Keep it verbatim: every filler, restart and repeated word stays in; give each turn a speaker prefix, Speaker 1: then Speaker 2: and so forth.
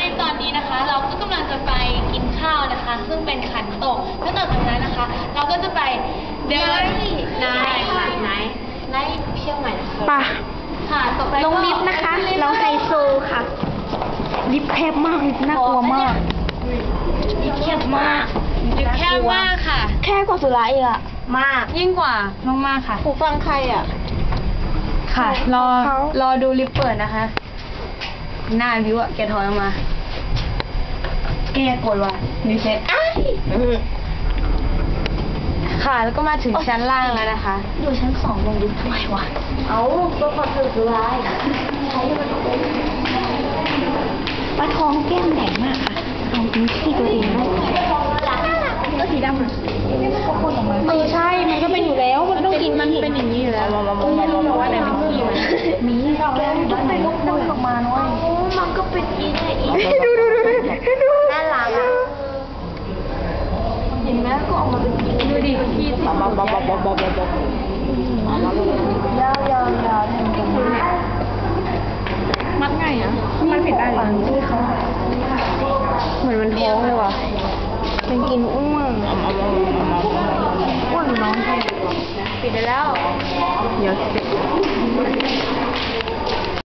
Speaker 1: ตอนนี้นะคะเราก็กำลังจะไปกินข้าวนะคะซึ่งเป็นขันโตกแล้วต่อจากนั้นนะคะ เราก็จะไปเดินนายค่ะนายนายเชียงใหม่นะคะ
Speaker 2: ป่ะ
Speaker 1: ค่ะต่อไป
Speaker 2: ลงลิฟต์นะคะเราไฮโซค่ะลิฟต์แคบมากน่ากลัวมากลิฟต์แคบมาก
Speaker 1: ลิฟต์แคบมากค่ะ
Speaker 2: แค่กว่าสุราอีกอะมาก
Speaker 1: ยิ่งกว่ามากๆค่ะ
Speaker 2: หูฟังใครอะ
Speaker 1: ค่ะ รอ
Speaker 2: เขา
Speaker 1: รอดูลิฟต์เปิดนะคะ หน้าวิวอะแกถอยออกมา แกกดว่ะรีเซ็ตค่ะ แล้วก็มาถึงชั้นล่างแล้วนะคะ
Speaker 2: อยู่ชั้นสองลงลิฟต์ทำไมวะเอาก็พอเธอสุราใช้มันปลาทองแก้มใหญ่มากค่ะเอาพื้นที่ตัวเองได้ก็สีดำอ่ะเออใช่ มันก็เป็นอยู่แล้ว มันต้องกินมันเป็นอย่างนี้อยู่แล้วไม่รู้หรอกว่าไหนเป็นขี้มันมีเราแล้วต้องไปลุกน้ำออกมาหน่อยโอ้มันก็เป็นอีนี่อีดูดูดูดูน่ารักอ่ะเห็นไหมก็ออกมาเป็นอีดูดิขี้ติดบ๊อบบ๊อบบ๊อบบ๊อบบ๊อบบ๊อบยาวยาวยาวมัดไงอ่ะมันผิดได้หรอเหมือนมันท้องเลยว่ะเป็นกินอ้วนอ้วนน้องใครปิดได้แล้วเดี๋ยว